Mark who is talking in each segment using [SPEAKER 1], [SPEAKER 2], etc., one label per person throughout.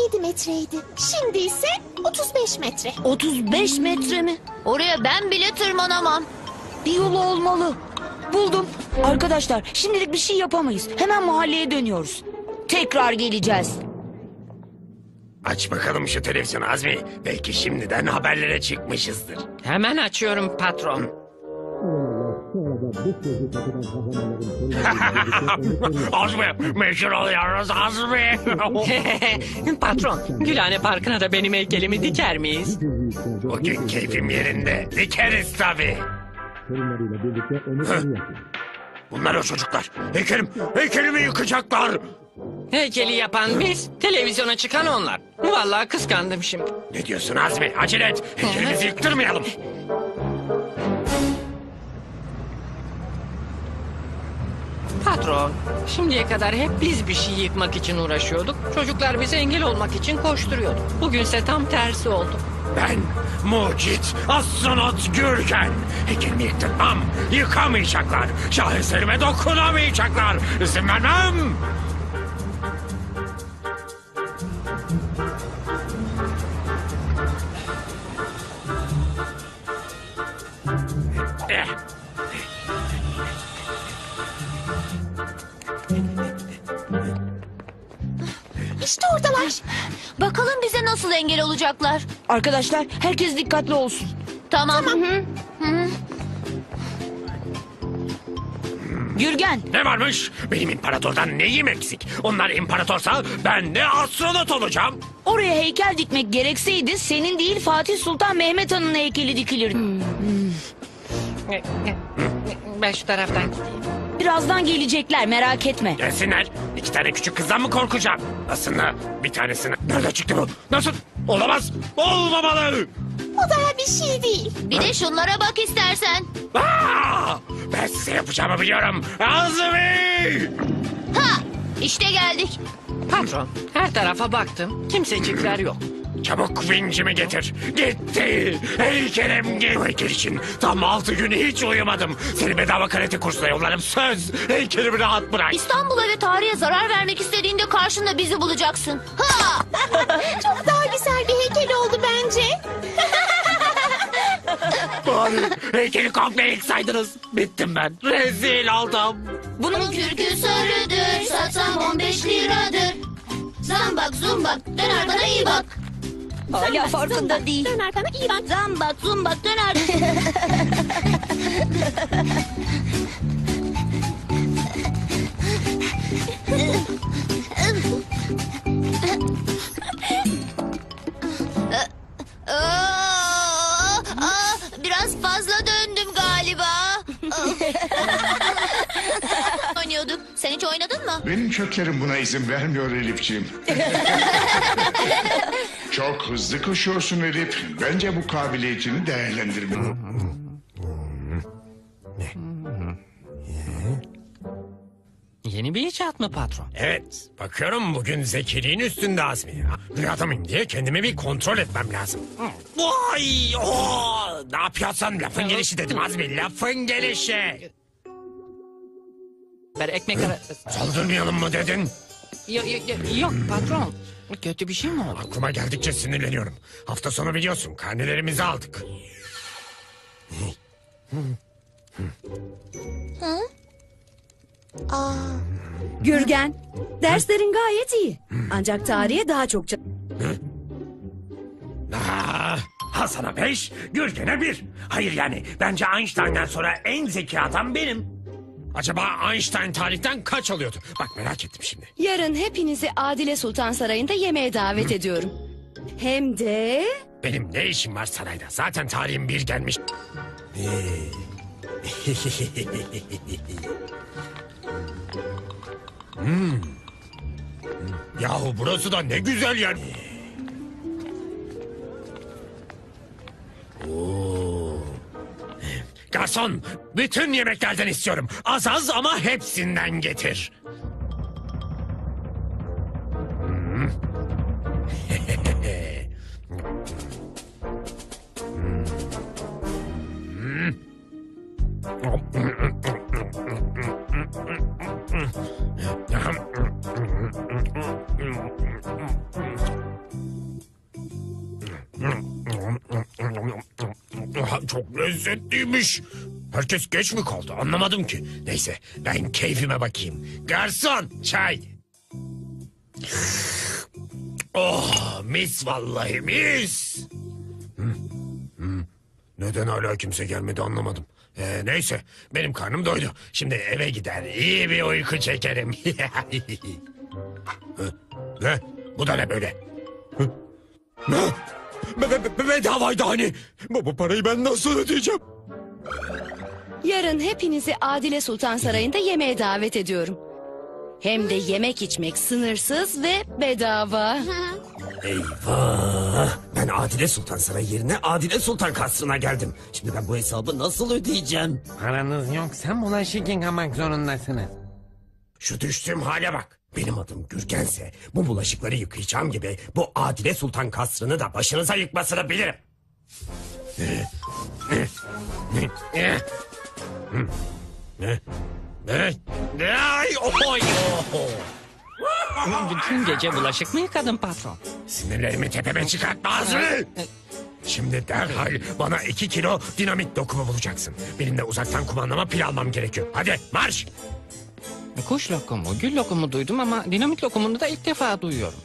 [SPEAKER 1] 17 metreydi. Şimdi ise 35 metre.
[SPEAKER 2] 35 metre mi? Oraya ben bile tırmanamam.
[SPEAKER 3] Bir yolu olmalı. Buldum. Arkadaşlar şimdilik bir şey yapamayız. Hemen mahalleye dönüyoruz. Tekrar geleceğiz.
[SPEAKER 4] Aç bakalım şu televizyonu Azmi. Belki şimdiden haberlere çıkmışızdır.
[SPEAKER 5] Hemen açıyorum patron.
[SPEAKER 4] Azmi, meşhur oluyoruz Azmi.
[SPEAKER 5] Patron, Gülhane Parkı'na da benim heykelimi diker miyiz?
[SPEAKER 4] Bugün keyfim yerinde. Dikeriz tabii. Bunlar o çocuklar. Heykelimi yıkacaklar.
[SPEAKER 5] Heykeli yapan biz, televizyona çıkan onlar. Vallahi kıskandım şimdi.
[SPEAKER 4] Ne diyorsun Azmi? Acele et. Heykelimizi yıktırmayalım.
[SPEAKER 5] Patron, şimdiye kadar hep biz bir şey yıkmak için uğraşıyorduk. Çocuklar bize engel olmak için koşturuyordu. Bugünse tam tersi oldu.
[SPEAKER 4] Ben mucit astronot Gürgen. Heykelimi yıktırmam. Yıkamayacaklar. Şaheserime dokunamayacaklar. İzin vermem. Eh.
[SPEAKER 1] İşte oradalar.
[SPEAKER 2] Bakalım bize nasıl engel olacaklar.
[SPEAKER 3] Arkadaşlar herkes dikkatli olsun.
[SPEAKER 2] Tamam. Hı.
[SPEAKER 3] Gürgen,
[SPEAKER 4] Ne varmış? Benim imparatordan neyim eksik? Onlar imparatorsa ben de astronot olacağım.
[SPEAKER 3] oraya heykel dikmek gerekseydi senin değil Fatih Sultan Mehmet Han'ın heykeli dikilirdi.
[SPEAKER 5] Ben şu taraftan gideyim.
[SPEAKER 3] Birazdan gelecekler merak etme.
[SPEAKER 4] Gelsinler. 2 tane küçük kızdan mı korkacağım? Aslında bir tanesini... Nerede çıktı bu? Nasıl? Olamaz. Olmamalı.
[SPEAKER 1] O daha bir şey değil.
[SPEAKER 2] Bir de şunlara bak istersen.
[SPEAKER 4] Aa! Ben size yapacağımı biliyorum. Azmi!
[SPEAKER 2] Ha! İşte geldik.
[SPEAKER 5] Patron, her tarafa baktım. Kimsecikler yok.
[SPEAKER 4] Çabuk vincimi getir. Gitti. Heykelim gitti. Bu heykel için tam 6 gün hiç uyumadım. Seni bedava karate kursuna yollarım. Söz. Heykelimi rahat bırak.
[SPEAKER 2] İstanbul'a ve tarihe zarar vermek istediğinde karşında bizi bulacaksın. Ha!
[SPEAKER 1] Çok daha güzel bir heykel oldu bence.
[SPEAKER 4] Bari heykeli komple yıksaydınız. Bittim ben. Rezil oldum.
[SPEAKER 2] Bunun kürkü sarıdır, satsam 15 liradır. Zambak zumbak, dön arkana iyi bak.
[SPEAKER 3] Hala farkında değil.
[SPEAKER 1] Dön arkana iyi bak.
[SPEAKER 2] Zambak zumbak, dön arkana. Biraz fazla döndüm galiba. Oynuyorduk. Sen hiç oynadın mı?
[SPEAKER 6] Benim köklerim buna izin vermiyor Elifciğim. Çok hızlı koşuyorsun Elif. Bence bu kabiliyetini değerlendirme.
[SPEAKER 5] Yeni bir icat mı patron?
[SPEAKER 4] Evet, bakıyorum bugün zekiliğin üstünde Azmi. Rüyada mıyım diye kendimi bir kontrol etmem lazım. Vay! Ne yapıyorsun? Lafın gelişi dedim Azmi, lafın gelişi.
[SPEAKER 5] Ben ekmek arası...
[SPEAKER 4] Saldırmayalım mı dedin?
[SPEAKER 5] Yok patron. Kötü bir şey mi oldu?
[SPEAKER 4] Aklıma geldikçe sinirleniyorum. Hafta sonu biliyorsun, karnelerimizi aldık.
[SPEAKER 7] Gürgen, derslerin gayet iyi. Ancak tarihe daha çok
[SPEAKER 4] Ha sana 5, Gürgen'e 1. Hayır yani, bence Einstein'dan sonra en zeki adam benim. Acaba Einstein tarihten kaç alıyordu? Bak merak ettim şimdi.
[SPEAKER 7] Yarın hepinizi Adile Sultan Sarayı'nda yemeğe davet ediyorum. Hem de...
[SPEAKER 4] Benim ne işim var sarayda? Zaten tarihim bir gelmiş. Yahu burası da ne güzel yer. Oo. Garson, bütün yemeklerden istiyorum. Az az ama hepsinden getir. çok lezzetliymiş. Herkes geç mi kaldı anlamadım ki. Neyse ben keyfime bakayım. Garson çay. Oh mis vallahi mis. Neden hala kimse gelmedi anlamadım. Neyse benim karnım doydu. Şimdi eve gider iyi bir uyku çekerim. Ne? Bu da ne böyle? Ne? Bedavaydı hani. Bu parayı ben nasıl ödeyeceğim?
[SPEAKER 7] Yarın hepinizi Adile Sultan Sarayı'nda yemeğe davet ediyorum. Hem de yemek içmek sınırsız ve bedava.
[SPEAKER 4] Eyvah! Ben Adile Sultan Sarayı yerine Adile Sultan Kasrı'na geldim. Şimdi ben bu hesabı nasıl ödeyeceğim?
[SPEAKER 8] Paranız yoksa bulaşık yıkamak zorundasınız.
[SPEAKER 4] Şu düştüğüm hale bak. Benim adım Gürgense bu bulaşıkları yıkayacağım gibi bu Adile Sultan Kasrı'nı da başınıza yıkmasını bilirim. Ne? Ay, oy, oh.
[SPEAKER 5] Bütün gece bulaşık mı yıkadın patron?
[SPEAKER 4] Sinirlerimi tepeme çıkartmaz mı? Şimdi derhal bana 2 kilo dinamit dokumu bulacaksın. Benim de uzaktan kumandama pil almam gerekiyor. Hadi marş!
[SPEAKER 5] Kuş lokumu, gül lokumu duydum ama dinamit lokumunu da ilk defa duyuyorum.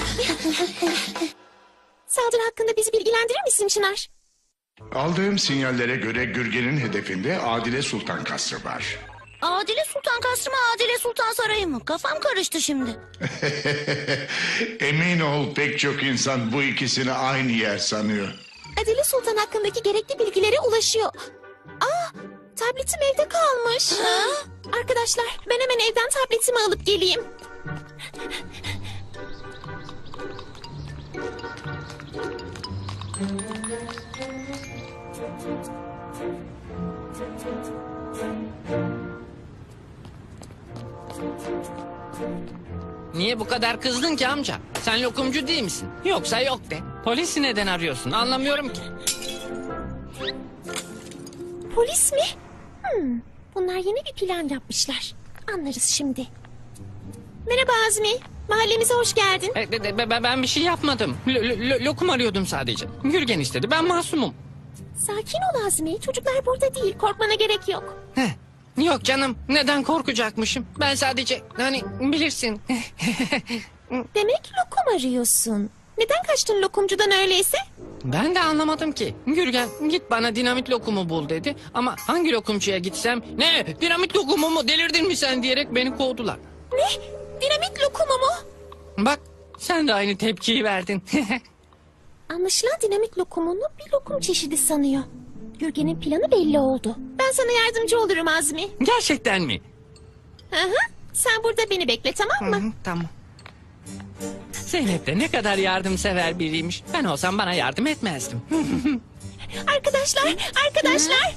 [SPEAKER 1] Saldırı hakkında bizi bilgilendirir misin Çınar?
[SPEAKER 6] Aldığım sinyallere göre Gürgen'in hedefinde Adile Sultan Kasrı var.
[SPEAKER 2] Adile Sultan Kasrı mı Adile Sultan Sarayı mı? Kafam karıştı şimdi.
[SPEAKER 6] Emin ol pek çok insan bu ikisini aynı yer sanıyor.
[SPEAKER 1] Adile Sultan hakkındaki gerekli bilgilere ulaşıyor. Aa, tabletim evde kalmış. Arkadaşlar ben hemen evden tabletimi alıp geleyim.
[SPEAKER 5] Niye bu kadar kızdın ki amca? Sen lokumcu değil misin? Yoksa yok de. Polisi neden arıyorsun? Anlamıyorum ki.
[SPEAKER 1] Polis mi? Bunlar yeni bir plan yapmışlar. Anlarız şimdi. Merhaba Azmi. Mahallemize hoş geldin.
[SPEAKER 5] Ben bir şey yapmadım. Lokum arıyordum sadece. Gürgen istedi. Ben masumum.
[SPEAKER 1] Sakin ol Azmi. Çocuklar burada değil. Korkmana gerek yok.
[SPEAKER 5] Heh. Yok canım. Neden korkacakmışım? Ben sadece hani bilirsin.
[SPEAKER 1] Demek lokum arıyorsun. Neden kaçtın lokumcudan öyleyse?
[SPEAKER 5] Ben de anlamadım ki. Gürgen git bana dinamit lokumu bul dedi. Ama hangi lokumcuya gitsem ne dinamit lokumu mu delirdin mi sen diyerek beni kovdular.
[SPEAKER 1] Ne? Dinamit lokumu mu?
[SPEAKER 5] Bak sen de aynı tepkiyi verdin.
[SPEAKER 1] Anlaşılan dinamit lokumunu bir lokum çeşidi sanıyor. Gürgen'in planı belli oldu. Ben sana yardımcı olurum Azmi.
[SPEAKER 5] Gerçekten mi?
[SPEAKER 1] Hı hı. Sen burada beni bekle tamam mı?
[SPEAKER 5] Tamam. Zeynep de ne kadar yardımsever biriymiş. Ben olsam bana yardım etmezdim.
[SPEAKER 1] Arkadaşlar, arkadaşlar.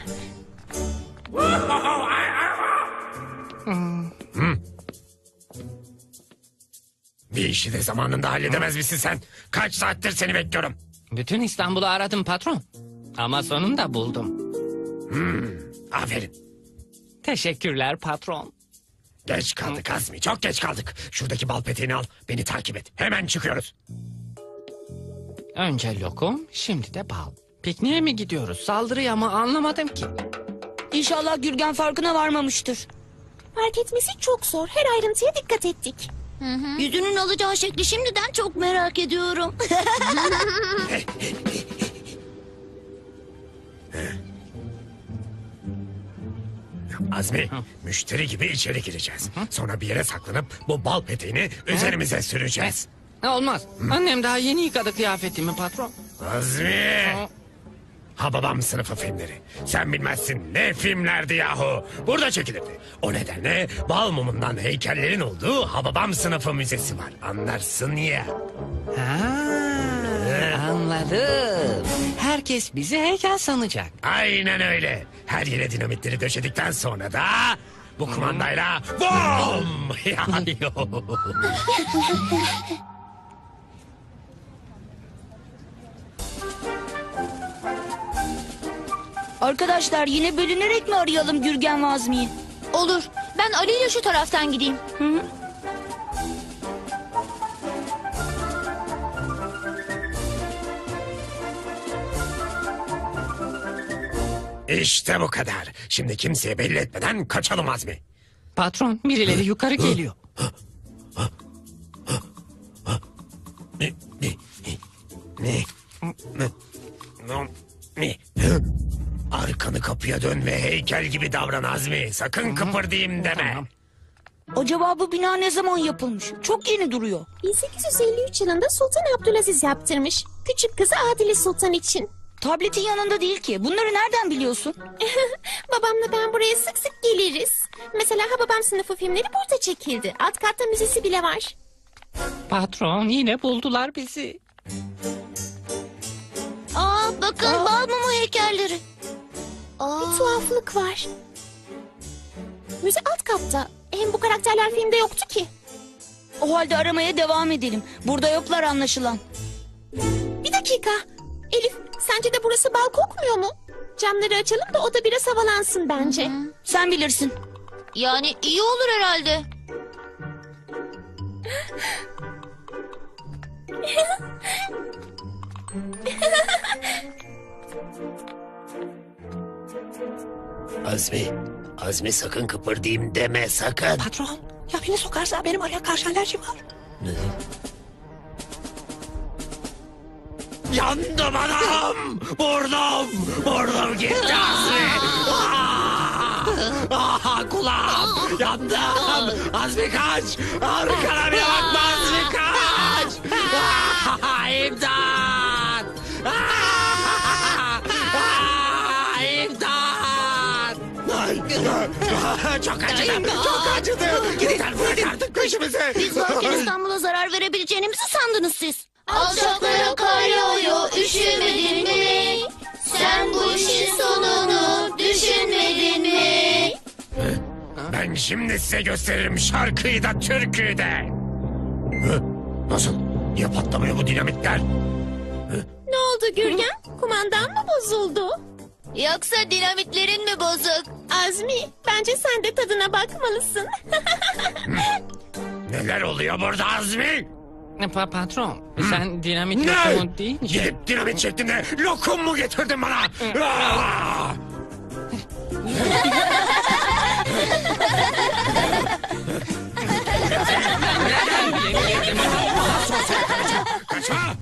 [SPEAKER 4] Bir işi de zamanında halledemez misin sen? Kaç saattir seni bekliyorum.
[SPEAKER 5] Bütün İstanbul'u aradım patron. Ama sonunda buldum.
[SPEAKER 4] Aferin.
[SPEAKER 5] Teşekkürler patron.
[SPEAKER 4] Geç kaldık Azmi, çok geç kaldık. Şuradaki bal peteğini al, beni takip et. Hemen çıkıyoruz.
[SPEAKER 5] Önce lokum, şimdi de bal. Pikniğe mi gidiyoruz, saldırıya mı anlamadım ki.
[SPEAKER 3] İnşallah Gürgen farkına varmamıştır.
[SPEAKER 1] Fark etmesi çok zor. Her ayrıntıya dikkat ettik.
[SPEAKER 2] Yüzünün alacağı şekli şimdiden çok merak ediyorum.
[SPEAKER 4] Azmi, müşteri gibi içeri gireceğiz. Sonra bir yere saklanıp bu bal peteğini üzerimize süreceğiz.
[SPEAKER 5] Olmaz, annem daha yeni yıkadı kıyafetimi patron.
[SPEAKER 4] Azmi! Hababam sınıfı filmleri. Sen bilmezsin ne filmlerdi yahu. Burada çekilirdi. O nedenle bal mumundan heykellerin olduğu Hababam sınıfı müzesi var. Anlarsın ya.
[SPEAKER 5] Anladım. Herkes bizi heykel sanacak.
[SPEAKER 4] Aynen öyle. Her yere dinamitleri döşedikten sonra da bu kumandayla BOOM!
[SPEAKER 3] Arkadaşlar yine bölünerek mi arayalım Gürgen ve Azmi'yi?
[SPEAKER 2] Olur. Ben Ali ile şu taraftan gideyim.
[SPEAKER 4] İşte bu kadar. Şimdi kimseye belli etmeden kaçalım Azmi.
[SPEAKER 5] Patron, birileri yukarı geliyor.
[SPEAKER 4] Ne? Arkanı kapıya dön ve heykel gibi davran Azmi. Sakın kıpırdayım deme.
[SPEAKER 5] Tamam.
[SPEAKER 3] Acaba bu bina ne zaman yapılmış? Çok yeni duruyor.
[SPEAKER 1] 1853 yılında Sultan Abdülaziz yaptırmış. Küçük kızı Adile Sultan için.
[SPEAKER 3] Tabletin yanında değil ki. Bunları nereden biliyorsun?
[SPEAKER 1] Babamla ben buraya sık sık geliriz. Mesela Hababam sınıfı filmleri burada çekildi. Alt katta müzesi bile var.
[SPEAKER 5] Patron, yine buldular bizi.
[SPEAKER 2] Bakın bal mumu heykelleri.
[SPEAKER 1] Bir tuhaflık var. Müze alt katta. Hem bu karakterler filmde yoktu ki.
[SPEAKER 3] O halde aramaya devam edelim. Burada yoklar anlaşılan.
[SPEAKER 1] Bir dakika. Elif, sence de burası bal kokmuyor mu? Camları açalım da o da biraz havalansın bence.
[SPEAKER 3] Sen bilirsin.
[SPEAKER 2] Yani iyi olur herhalde.
[SPEAKER 4] Azmi sakın kıpırdayım deme sakın.
[SPEAKER 5] Patron, ya beni sokarsa benim araya karşı alerjim var.
[SPEAKER 4] Yandım anam! Vurdum gitti Azmi! Kulağım! Yandım! Azmi kaç! Arkana bir bakma Azmi kaç! İmdat! İmdat! Çok acıdı! Çok acıdı! Gidin bırak artık peşimizi!
[SPEAKER 2] Biz varken İstanbul'a zarar verebileceğinizi sandınız siz. Alçaklara kar yağıyor, üşümedin mi? Sen bu işin sonunu düşünmedin mi?
[SPEAKER 4] Ben şimdi size gösteririm şarkıyı da türküyü de. Nasıl? Niye patlamıyor bu dinamitler?
[SPEAKER 1] Ne oldu Gürgen? Kumandan mı bozuldu?
[SPEAKER 2] Yoksa dinamitlerin mi bozuk?
[SPEAKER 1] Azmi, bence sen de tadına bakmalısın.
[SPEAKER 4] Neler oluyor burada Azmi?
[SPEAKER 5] Patron, sen dinamit
[SPEAKER 4] Ne?
[SPEAKER 5] lokumu deyince...
[SPEAKER 4] Gidip dinamit şeklinde lokum mu getirdin bana? Ah!